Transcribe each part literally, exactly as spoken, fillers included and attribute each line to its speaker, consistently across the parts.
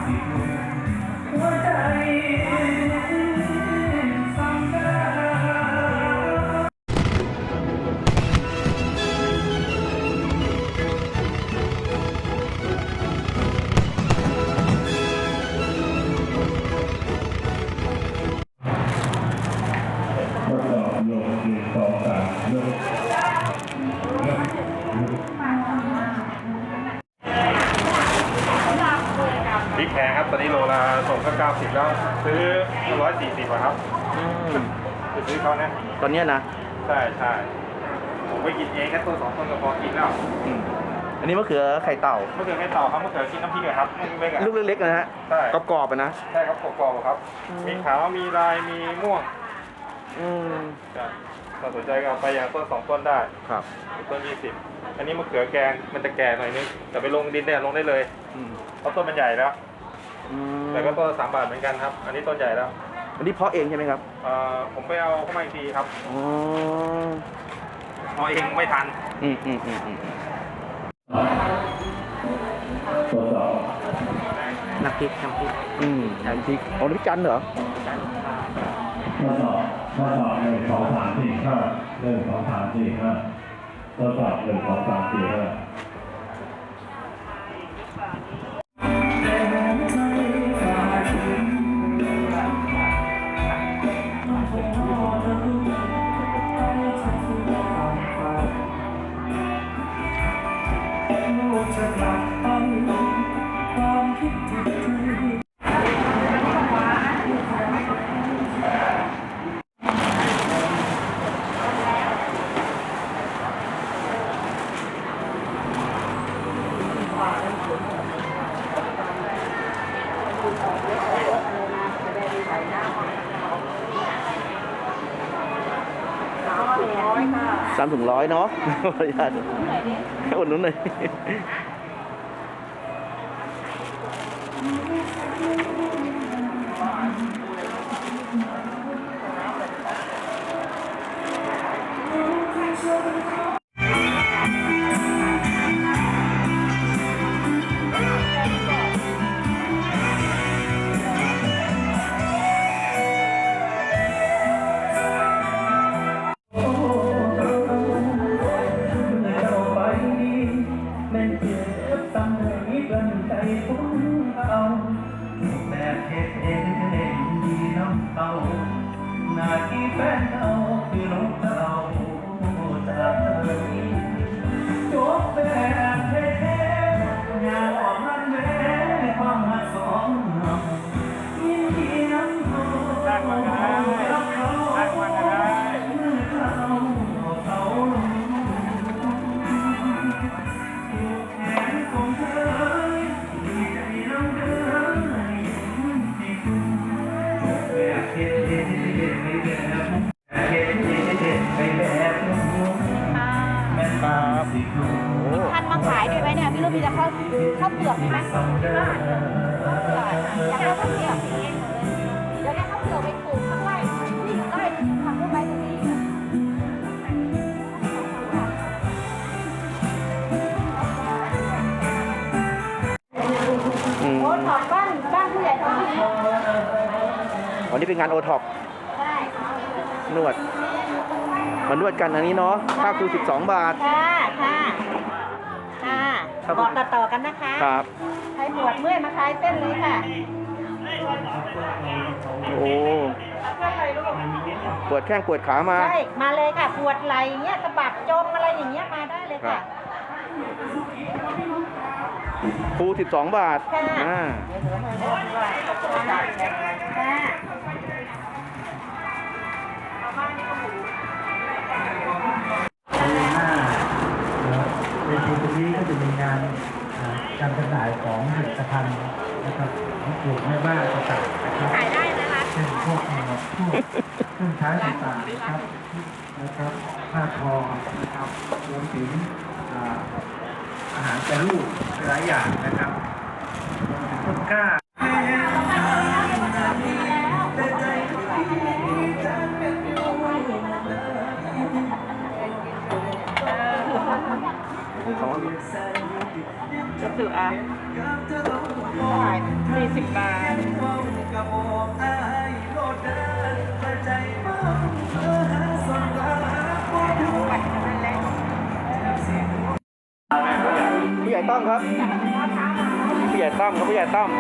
Speaker 1: พริกแพงครับตอนนี้โลละส่งก็เก้าสิบแล้วซื้อร้อยสี่สิบครับไปซื้อเขาเนี่ย
Speaker 2: ตอนนี้นะ
Speaker 1: ใช่ใช่ผมไปกินเองแค่ตัวสองต้นก็พอกินแล้ว
Speaker 2: อันนี้มะเขือไข่เต่าม
Speaker 1: ะเขือไข่เต่าครับมะเขือกินน้ำพริกครับ
Speaker 2: ลูกเล็กๆนะฮะ
Speaker 1: ใช่
Speaker 2: กรอบๆนะ
Speaker 1: ใช่ครับกรอบๆครับมีขาวมีลายมีม่วง
Speaker 2: อืม
Speaker 1: ถ้าสนใจก็ไปอย่างต้นสองต้นได้
Speaker 2: ครับ
Speaker 1: ต้นยี่สิบอันนี้มะเขือแกงมันจะแก่หน่อยนึงแต่ไปลงดินได้ลงได้เลยเพราะต้นมันใหญ่แล้วแต่ก็ต้นสามบาทเหมือนกันครับอันนี้ต้นใหญ่แล้ว
Speaker 2: อันนี้เพาะเองใช่ไหมครับ
Speaker 1: ผมไปเอาเข้ามาอีกทีครับ
Speaker 2: อ๋อ
Speaker 1: เพาะเองไม่ทัน
Speaker 2: อืมอืมอืมอืมน้ำพริกน้ำพริกอืมน้ำพริกอ๋อน้ำพริกจันเหรอ
Speaker 3: ทดสอบทดสอบหนึ่งสองสามสี่ห้าหนึ่งสองสามสี่ห้าทดสอบหนึ่งสองสามสี่ห้า
Speaker 2: สามถุงร้อยเนาะขออนุญาตอุดหนุนหน่อย
Speaker 3: นาทีแฟนเอาคือน้องเราจากเธอจบแบบเท่ๆอย่าออกมันแม่ความหักสองเรายินดีน้ำเขารักมันก็ได้รักเขารักมันก็ได้เมื่อเขาเขาอยู่แขนของเธอดีใจน้ำเดินที่คุณจบแบบเท่
Speaker 4: ท่านมาขายด้วยไหมเนี่ยพี่ลูกมีจะเข้าเข้าเปลือกไหมข้าวเปลือกอยากได้ข้าวเปลือกเดี๋ยวได้ข้าวเปลือกไปปลูกข้างไร่นี่ไร่ทำด้วยใบตะลีโอท็อปบ้านบ้านผู้ใหญ่ท้องถิ่น
Speaker 2: วันนี้เป็นงานโอท็อปนวดมานวดกันอันนี้เนาะค่าครูสิบสองบาท
Speaker 4: ค่ะค่ะค่ะบอกต่อๆกันนะคะ
Speaker 2: ครับ
Speaker 4: ใครปวดเมื่อยมาคลายเส้นเลยค่ะ
Speaker 2: โอ้ปวดแข้งปวดขามา
Speaker 4: ใช่มาเลยค่ะปวดไหล่เงี้ยสะบักจมอะไรอย่างเงี้ยมาได้เลยค่ะ
Speaker 2: ครูสิบสองบาท
Speaker 4: อ่า
Speaker 3: ในปีนี้ก็จะมีงานการจำหน่ายของผลิตภัณฑ์นะครับของกลุ่มแม่บ้านต่างๆนะครับ
Speaker 4: ขายได้นะคะ
Speaker 3: เช่นพวกพวกเครื่องใช้ต่างๆนะครับนะครับผ้าทอนะครับรวมถึงอาหารแปรรูปหลายอย่างนะครับต้นกล้า
Speaker 4: จะสื่ออ่ะสี่สิบบาท
Speaker 2: ผู้ใหญ่ต้อมครับผู้ใหญ่ต้อมครับผู้ใหญ่ต้อม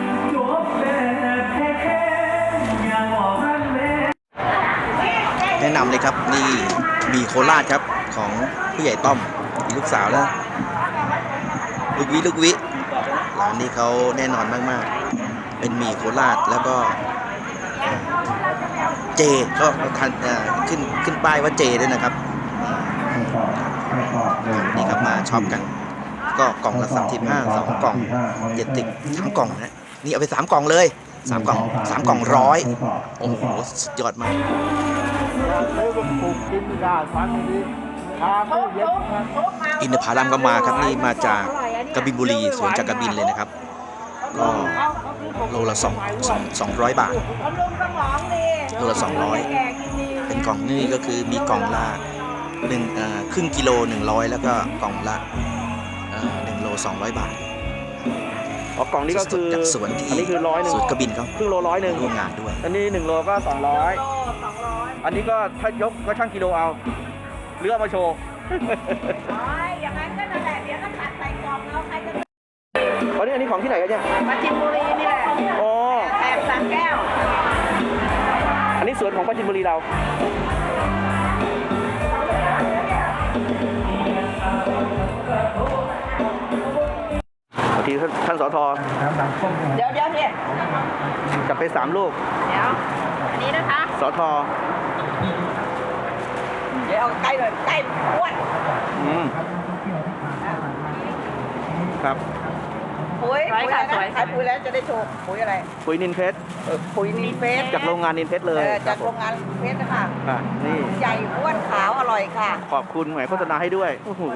Speaker 2: แนะนำเลยครับนี่มีโคราชครับของผู้ใหญ่ต้อมมีลูกสาวแล้วลูกวิลูกวิร้านนี้เขาแน่นอนมากๆเป็นหมี่โคราชแล้วก็เจก็ทันขึ้นขึ้นป้ายว่าเจด้วยนะครับนี่ครับมาช็อปกันก็กล่องละสามสิบห้าสองกล่องเจ็ดสิบสามกล่องนะนี่เอาไปสามกล่องเลยสามกล่องสามกล่องร้อยโอ้โหสุดยอดมากอินทผลัมก็มาครับนี่มาจากกบินบุรีสวนจากกบินเลยนะครับก็โลละสองสองสองร้อยบาทโลละสองร้อยเป็นกล่องนี่ก็คือมีกล่องละหนึ่งครึ่งกิโลหนึ่งร้อยแล้วก็กล่องละหนึ่งโลสองร้อยบาทอ๋อกล่องนี้ก็คือจากสวนที่อันนี้คือร้อยหนึ่งสวนกบินเขาครึ่งโลร้อยหนึ่งร่วมงานด้วยอันนี้หนึ่งโลก็สองร้อยอันนี้ก็ถ้ายกก็ช่างกิโลเอาเลือกมาโชว์อย่างนั้นก็นั่นแหละเดี๋ยวก็ตัดใส่กล่องแล้วใครจะอันนี้อันนี้ของที่ไหนกันเนี่ยปราจีนบุรีนี่แหละอ๋อแอบสามแก้วอันนี้สวนของปราจีนบุรีเราทีท่านสทเดี๋ยวเดี๋ยวเนี่ยจับไปสามลูกเดี๋ยวอันนี้นะคะสทเดี๋ยวเอาใกล้เลยใกล้อ้วนอืมครับปุ๋ยปุ๋ยอะไรนะขายปุ๋ยแล้วจะได้โชว์ปุ๋ยอะไรปุ๋ยนินเพชรปุ๋ยนินเพชรจากโรงงานนินเพชรเลยจากโรงงานเพชรนะคะนี่ใหญ่อ้วนขาวอร่อยค่ะขอบคุณหมายโฆษณาให้ด้วยโอ้โห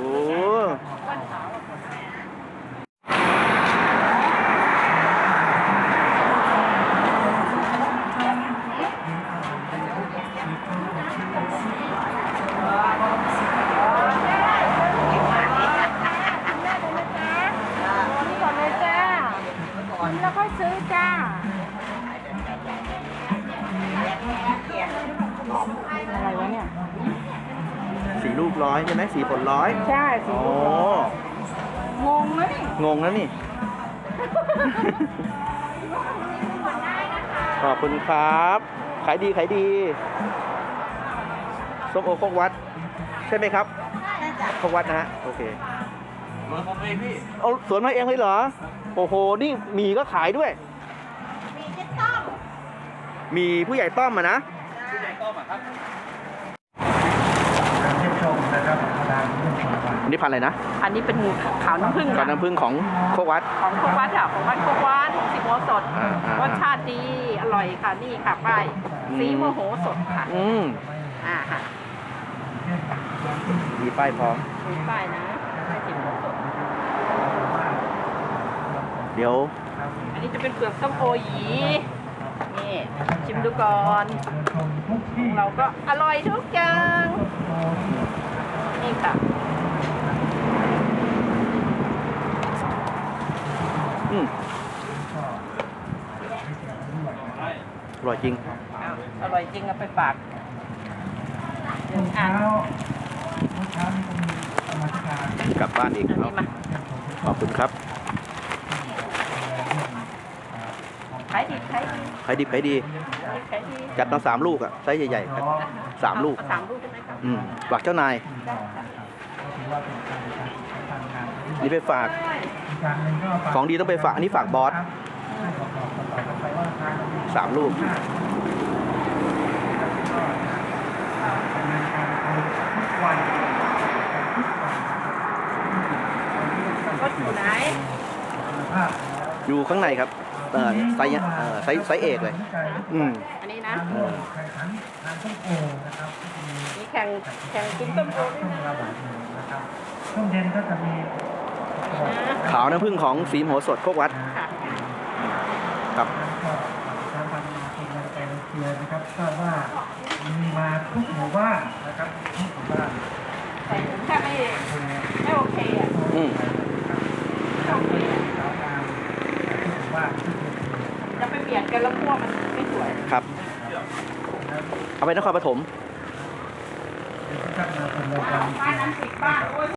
Speaker 4: แล้วก็ซื้อจ้าอะไรวะเนี่ย
Speaker 2: สีลูกร้อยใช่ไหมสีผลร้อย
Speaker 4: ใช่สีลูกร้อยงงนะนี่
Speaker 2: งงนะนี่ ขอบคุณครับขายดีขายดีส้มโอโคกวัดใช่ไหมครับโคกวัดนะฮะโอเคสวนผมเองพี่เอาสวนมาเองเลยเหรอโอ้โหนี่มีก็ขายด้วยมีเจ๊ต้อมมีผู้ใหญ่ต้อมอ่ะนะผู้ใหญ่ต้อมอ่ะครับอันนี้พันอะไรนะ
Speaker 4: อันนี้เป็นขาวน้ำผึ้ง
Speaker 2: ขาวน้ำผึ้งของโคกวัด
Speaker 4: ของโคกวัดค่ะของวัดโคกวัดสีโมสดรสชาติดีอร่อยค่ะนี่ค่ะป้ายสีโมโหสดค่ะ
Speaker 2: อืม
Speaker 4: อ่าค่ะ
Speaker 2: มีป้ายพร้อม
Speaker 4: มีป้ายนะป้ายสีโมสด
Speaker 2: เดี๋ยว
Speaker 4: อันนี้จะเป็นเปลือกส้มโอหยีนี่ชิมดูก่อนเราก็อร่อยทุกอย่างนี่ค่ะ
Speaker 2: อืมอร่อยจริง
Speaker 4: อร่อยจริงเอาไปฝาก
Speaker 2: กลับบ้านอีกขอบคุณครับ
Speaker 4: ขายดีขายดี
Speaker 2: ขายดีขายดีจัดมาสามลูกอ่ะไซส์ใหญ่ๆครับสามลูก
Speaker 4: สามลูกใช่ไหมครับ
Speaker 2: อืมฝากเจ้านายนี่ไปฝากของดีต้องไปฝากอันนี้ฝากบอสสามลูก
Speaker 4: ก็อยู่ไหน
Speaker 2: อยู่ข้างในครับเออไซส์เออไซส์ไซส์เอกเลยอืม
Speaker 4: อันนี้นะมีแข่งแข่งกินต้มโอด้วยนะ
Speaker 3: ช่วงเย็นก็จะมี
Speaker 2: ขาวน้ำผึ้งของสีโมสดโคกวัดครับ
Speaker 3: ทางการกินในเชียร์นะครับทราบว่ามีมาทุกหมู่บ้านนะครับทุกหมู่บ้าน
Speaker 4: ใส่แค่ไม่ไม่โอเคอ่ะ
Speaker 2: อืม
Speaker 5: บียดกันแล้วคั่วมันไม่สวย
Speaker 2: ครับ เอาไปนครปฐม
Speaker 5: บ้านนั้นติดบ้าน